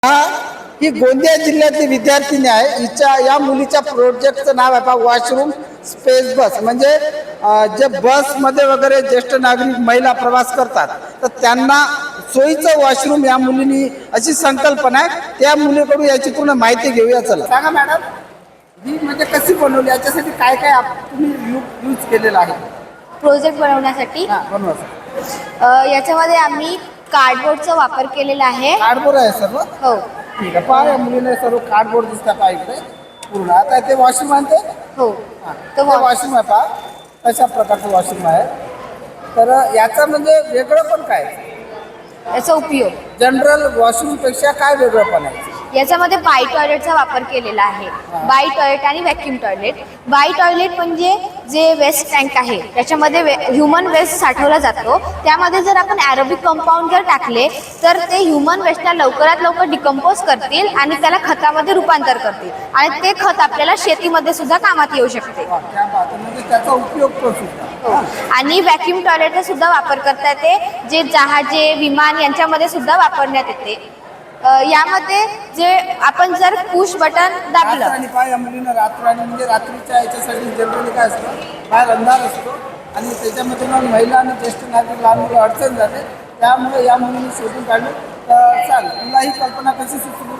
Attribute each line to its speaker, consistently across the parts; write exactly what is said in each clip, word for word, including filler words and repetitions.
Speaker 1: हा ही गोंदिया जिल्ह्यातली विद्यार्थिनी आहे. हिच्या या मुलीच्या प्रोजेक्टचं नाव आहे पहा वॉशरूम स्पेस बस. म्हणजे जे बसमध्ये वगैरे ज्येष्ठ नागरिक महिला प्रवास करतात तर त्यांना सोयीचं वॉशरूम या मुलीनी अशी संकल्पना आहे. त्या मुलीकडून याची पूर्ण माहिती घेऊया. चला सांगा मॅडम, ही म्हणजे कशी बनवली, याच्यासाठी काय काय तुम्ही यूज केलेलं आहे
Speaker 2: प्रोजेक्ट बनवण्यासाठी?
Speaker 1: बनवा.
Speaker 2: याच्यामध्ये आम्ही कार्डबोर्डचा वापर केलेला आहे.
Speaker 1: कार्डबोर्ड आहे सर्व?
Speaker 2: हो.
Speaker 1: ठीक आहे. पहा या मुलीने सर्व कार्डबोर्ड दिसतात पहा इकडे पूर्ण. आता ते वॉशरूम आहे ते?
Speaker 2: हो.
Speaker 1: तो वॉशरूम आहे पहा, अशा प्रकारचं वॉशरूम आहे. तर याचा म्हणजे वेगळं पण काय,
Speaker 2: याचा उपयोग
Speaker 1: जनरल वॉशरूम पेक्षा काय वेगळं पण आहे?
Speaker 2: याच्यामध्ये बाय टॉयलेटचा वापर केलेला आहे. बाय टॉयलेट आणि व्हॅक्यूम टॉयलेट. बाय टॉयलेट म्हणजे जे वेस्ट टँक आहे त्याच्यामध्ये ह्युमन वेस्ट साठवला जातो. त्यामध्ये जर आपण ॲरोबिक कंपाऊंड जर टाकले तर ते ह्युमन वेस्टला लवकरात लवकर डिकम्पोज करतील आणि त्याला खतामध्ये रूपांतर करतील आणि ते खत आपल्याला शेतीमध्ये सुद्धा कामात येऊ शकते.
Speaker 1: त्याचा उपयोग
Speaker 2: आणि व्हॅक्यूम टॉयलेटचा सुद्धा वापर करता येते, जे जहाजे विमान यांच्यामध्ये सुद्धा वापरण्यात येते. यामध्ये जे आपण जर पुश बटन दाबलं
Speaker 1: आणि पाय या मुलीनं रात्र म्हणजे रात्रीच्या याच्यासाठी जनरली काय असतं, बाहेर अंधार असतो आणि त्याच्यामध्ये मग महिला आणि ज्येष्ठ नागरिक लहान मुलं अडचण जाते. त्यामुळे या मुलीने शोधून काढली. तर चाल तुला ही कल्पना कशी सुचली?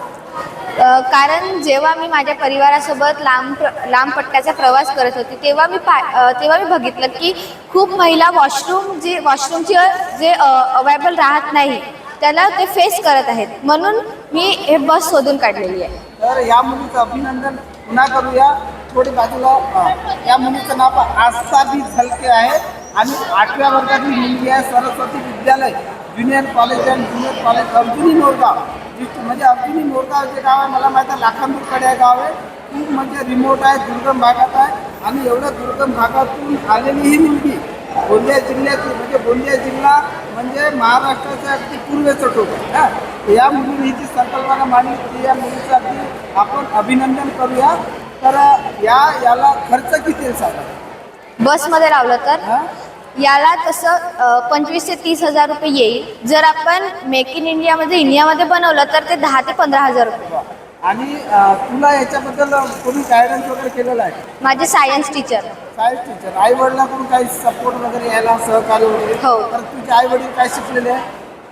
Speaker 2: कारण जेव्हा मी माझ्या परिवारासोबत लांब लांब पट्ट्याचा प्रवास करत होते तेव्हा मी पा तेव्हा मी बघितलं की खूप महिला वॉशरूम जी वॉशरूमची जे अवेलेबल राहत नाही त्याला ते फेस करत आहेत. म्हणून मी हे बस शोधून काढलेली आहे.
Speaker 1: तर या मुलीचं अभिनंदन पुन्हा करूया. थोडी बाजूला या मुलीचं नाव आस्था बी झलके आहे आणि आठव्या वर्गातील मुलगी आहे. Saraswati Vidyalaya junior college and junior college Arjuni Morgaon. म्हणजे अर्जुनी मोरगाव जे गाव आहे मला माहिती आहे लाखांदूरकडे आहे गाव आहे. खूप म्हणजे रिमोट आहे, दुर्गम भागात आहे आणि एवढ्या दुर्गम भागातून आलेली ही मुलगी गोंदिया जिल्ह्यातील म्हणजे गोंदिया जिल्हा म्हणजे महाराष्ट्राचं अगदी पूर्वेचं टोक आहे. या मुलीने ही जी संकल्पना मांडली ती या मुलीचं अगदी आपण अभिनंदन करूया. तर या याला खर्च किती येईल साधारण
Speaker 2: बसमध्ये लावलं तर? याला तसं पंचवीस ते तीस हजार रुपये येईल. जर आपण मेक इन इंडियामध्ये इंडियामध्ये बनवलं तर ते दहा ते पंधरा हजार रुपये.
Speaker 1: आणि तुला याच्याबद्दल कोणी गायडन्स वगैरे केलेलं आहे?
Speaker 2: माझे सायन्स टीचर.
Speaker 1: Science teacher. आई वडिलांकडून काही सपोर्ट वगैरे यायला सहकार्य वगैरे?
Speaker 2: हो.
Speaker 1: तर तुझे आई वडील काय शिकलेले आहे,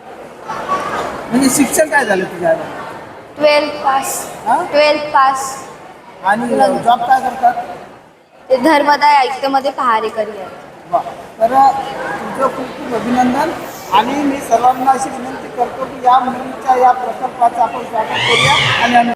Speaker 1: म्हणजे शिक्षण काय झालं तुझ्या आई वडील?
Speaker 2: Twelfth pass. Twelfth pass.
Speaker 1: आणि जॉब काय करतात?
Speaker 2: ते धर्मदाय आयुक्तमध्ये पहारे करिअर.
Speaker 1: वा. तर तुझं खूप खूप अभिनंदन. आणि मी सर्वांना अशी विनंती करतो की या मुलीच्या या प्रकल्पाचं आपण स्वागत करूया आणि